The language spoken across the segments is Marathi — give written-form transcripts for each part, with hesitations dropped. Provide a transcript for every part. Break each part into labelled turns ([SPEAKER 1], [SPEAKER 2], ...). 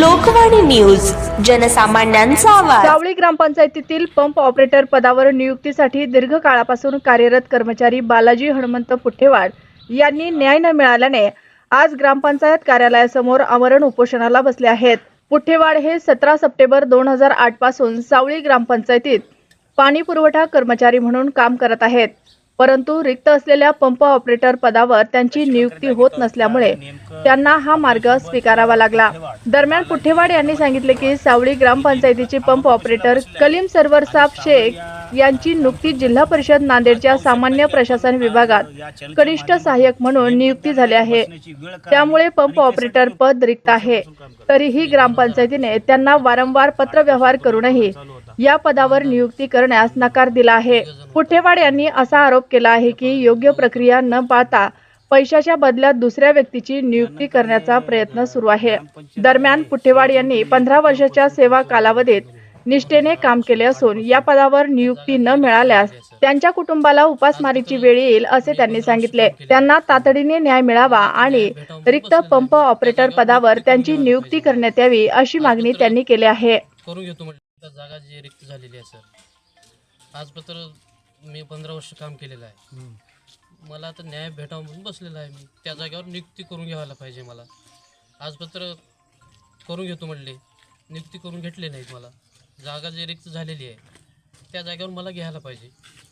[SPEAKER 1] लोकवाणी न्यूज, जनसामान्यांचा आवाज।
[SPEAKER 2] सावळी ग्रामपंचायतीतील पंप ऑपरेटर पदावर नियुक्तीसाठी दीर्घ काळापासून कार्यरत कर्मचारी बालाजी हनुमंत पुठेवाड यांनी न्याय न मिळाल्याने आज ग्रामपंचायत कार्यालयासमोर आमरण उपोषणाला बसले आहेत। पुठेवाड हे 17 सप्टेंबर 2008 पासून सावळी ग्रामपंचायतीत पाणी पुरवठा कर्मचारी म्हणून काम करत आहेत, परंतु रिक्त असलेल्या पंप ऑपरेटर पदावर त्यांची नियुक्ती होत नसल्यामुळे त्यांना हा मार्ग स्वीकारावा लागला। दरम्यान पुठेवाड यांनी सांगितले की सावळी ग्रामपंचायतीचे पंप ऑपरेटर कलीम सरवर साब शेख यांची नुकतीच जिल्हा परिषद नांदेडच्या सामान्य प्रशासन विभागात कनिष्ठ सहाय्यक म्हणून नियुक्ती झाली आहे, त्यामुळे पंप ऑपरेटर पद रिक्त आहे। तरीही ग्रामपंचायतीने त्यांना वारंवार पत्रव्यवहार करूनही या पदावर नियुक्ती करण्यास नकार दिला आहे। पुठेवाड यांनी असा आरोप केला आहे की योग्य प्रक्रिया न पाळता पैशाच्या बदल्यात दुसऱ्या व्यक्तीची नियुक्ती करण्याचा प्रयत्न सुरू आहे। दरम्यान पुठेवाड यांनी 15 वर्षाच्या सेवा कालावधीत निष्ठेने काम केले असून या पदावर नियुक्ती न मिळाल्यास त्यांच्या कुटुंबाला उपासमारीची वेळ येईल असे त्यांनी सांगितले। त्यांना तातडीने न्याय मिळावा आणि रिक्त पंप ऑपरेटर पदावर त्यांची नियुक्ती करण्यात यावी अशी मागणी त्यांनी केली आहे।
[SPEAKER 3] जागा जी रिक्त झालेली आहे सर, आजपर्यंत मी 15 वर्ष काम केलेलं आहे। मला आता न्याय भेटावा म्हणून बसलेला आहे। मी त्या जागेवर नियुक्ती करून घ्यायला पाहिजे। मला आजपर्यंत करून घेतो म्हटले, नियुक्ती करून घेतले नाहीत। मला जागा जी रिक्त झालेली आहे त्या जागेवर मला घ्यायला पाहिजे।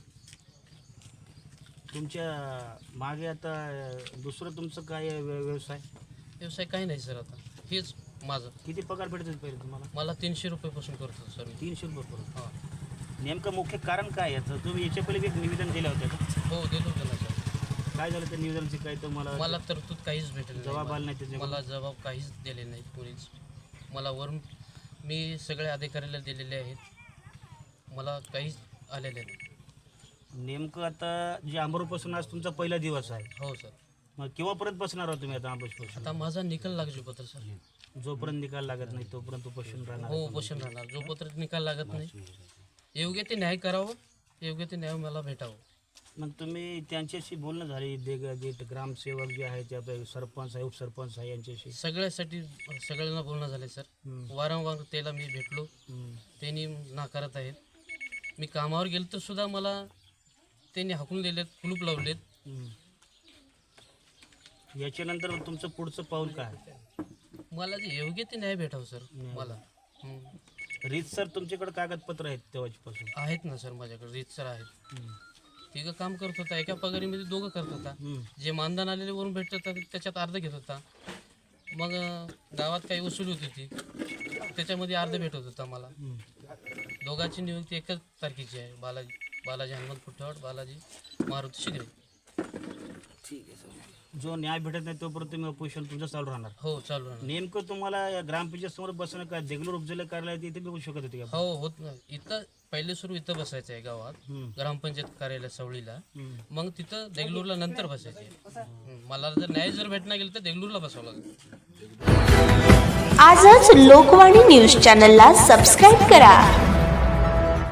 [SPEAKER 4] तुमच्या मागे आता दुसरं तुमचं काय व्यवसाय
[SPEAKER 3] काही नाही सर, आता हेच माझं।
[SPEAKER 4] किती पगार भेटतो पहिले तुम्हाला?
[SPEAKER 3] मला 300 रुपयापासून करतो सर मी।
[SPEAKER 4] 300 रुपये करून? हां। नेमकं मुख्य कारण काय याचं? तुम्ही याच्या पहिले एक निवेदन दिलं होतं का?
[SPEAKER 3] हो दिलं होतं ना सर।
[SPEAKER 4] काय झालं त्या निवेदनाची? काय
[SPEAKER 3] मला तरतूद काहीच भेटलं
[SPEAKER 4] जबाब आला नाही त्याचे?
[SPEAKER 3] मला जबाब काहीच दिले नाही कोणीच। मला वरून मी सगळे अधिकाऱ्याला दिलेले आहेत, मला काहीच आलेले नाही।
[SPEAKER 4] नेमकं आता जे आंबरूपासून आज तुमचा पहिला दिवस आहे?
[SPEAKER 3] हो सर।
[SPEAKER 4] मग केव्हापर्यंत बसणार आहोत तुम्ही आता आंबरूपासून?
[SPEAKER 3] आता माझा निकाल लागू पत्र सर।
[SPEAKER 4] जोपर्यंत निकाल लागत नाही तोपर्यंत उपोषण राहणार?
[SPEAKER 3] हो उपोषण राहणार, जोपर्यंत निकाल लागत नाही। योग्य ते न्याय करावं, योग्य ते न्याय मला भेटावं।
[SPEAKER 4] मग तुम्ही त्यांच्याशी बोलणं झाली? जे ग्रामसेवक जे आहे ते आपले सरपंच आहे, उपसरपंच आहे, यांच्याशी
[SPEAKER 3] सगळ्यांना बोलणं झालं सर। वारंवार त्याला मी भेटलो, त्यांनी नाकारत आहेत। मी कामावर गेलो तर सुद्धा मला त्यांनी हाकून दिलेत, कुलूप लावलेत।
[SPEAKER 4] याच्यानंतर तुमचं पुढचं पाऊल काय?
[SPEAKER 3] मला जे योग्य ते न्याय भेटावं सर मला।
[SPEAKER 4] रीतसर तुमच्याकडे कागदपत्र आहेत तेव्हापासून?
[SPEAKER 3] आहेत ना सर, माझ्याकडे रीतसर आहेत। तिघं काम करत होता, एका पगारीमध्ये दोघं करत होता। जे मानधन आलेले वरून भेटत होता त्याच्यात अर्ध घेत होता। मग गावात काही वसूल होती ती, त्याच्यामध्ये अर्ध भेटत होता मला। दोघांची नियुक्ती एकच तारखेची आहे, बालाजी हनुमंत पुठेवाड, बालाजी मारुती शिगरे।
[SPEAKER 4] ठीक आहे सर। जो न्याय भेटत नाही तोपर्यंत तुम्ही उपोषण तुमचं चालू राहणार?
[SPEAKER 3] हो चालू राहणार।
[SPEAKER 4] नेमकं तुम्हाला ग्रामपंचायत समोर बसणं का देगलूर उपजिल्हा कार्यालयात इथे बसू शकत होते का?
[SPEAKER 3] हो होत नाही, इथं पहिले सुरू इथं बसायचं आहे गावात, ग्रामपंचायत कार्यालय सावळीला। मग तिथं देगलूरला नंतर बसायचे। मला जर न्याय भेटणार गेलं तर देगलूरला बसावं लागेल।
[SPEAKER 1] आजच लोकवाणी न्यूज चॅनलला सबस्क्राईब करा।